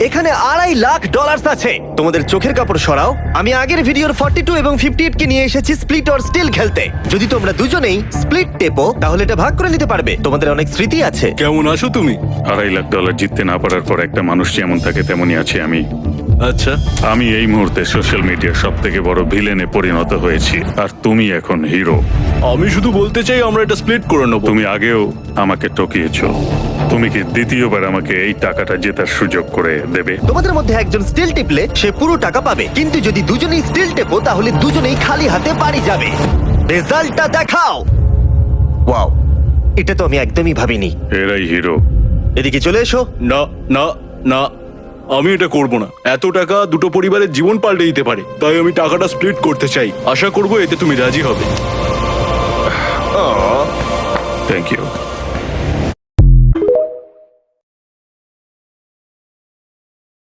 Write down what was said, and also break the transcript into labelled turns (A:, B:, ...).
A: এখানে $2.5 লাখ আছে। তোমাদের চোখের কাপড় সরাও। আমি আগের ভিডিওর 42 এবং 58 কে নিয়ে এসেছি স্প্লিট অর স্টিল খেলতে। যদি তোমরা দুজনেই স্প্লিট টেপো তাহলে এটা ভাগ করে নিতে পারবে। তোমাদের অনেক স্মৃতি আছে।
B: কেমন আছো তুমি?
C: $2.5 লাখ জিততে না পারার পর একটা মানুষ যেমন থাকে তেমনই আছি আমি।
B: আচ্ছা,
C: আমি এই মুহূর্তে সোশ্যাল মিডিয়ার সব থেকে বড় ভিলেনে পরিণত হয়েছি, আর তুমি এখন হিরো।
B: আমি শুধু বলতে চাই আমরা এটা স্প্লিট করে নেবো।
C: তুমি আগেও আমাকে ঠকিয়েছো। তুমি কি দ্বিতীয়বার আমাকে এই টাকাটা জেতার সুযোগ করে দেবে?
A: তোমাদের মধ্যে একজন স্টিল টিপলে সে পুরো টাকা পাবে, কিন্তু যদি দুজনেই স্টিল টেপো তাহলে দুজনেই খালি হাতে বাড়ি যাবে। রেজাল্টটা দেখাও। ওয়াও, এটা তো আমি একদমই ভাবিনি।
C: এরাই হিরো।
A: এদিকে চলে এসো।
B: না না না, আমি এটা করব না। এত টাকা দুটো পরিবারের জীবন পাল্টে দিতে পারে, তাই আমি টাকাটা স্প্লিট করতে চাই। আশা করবো এতে তুমি রাজি হবে।
C: Thank you.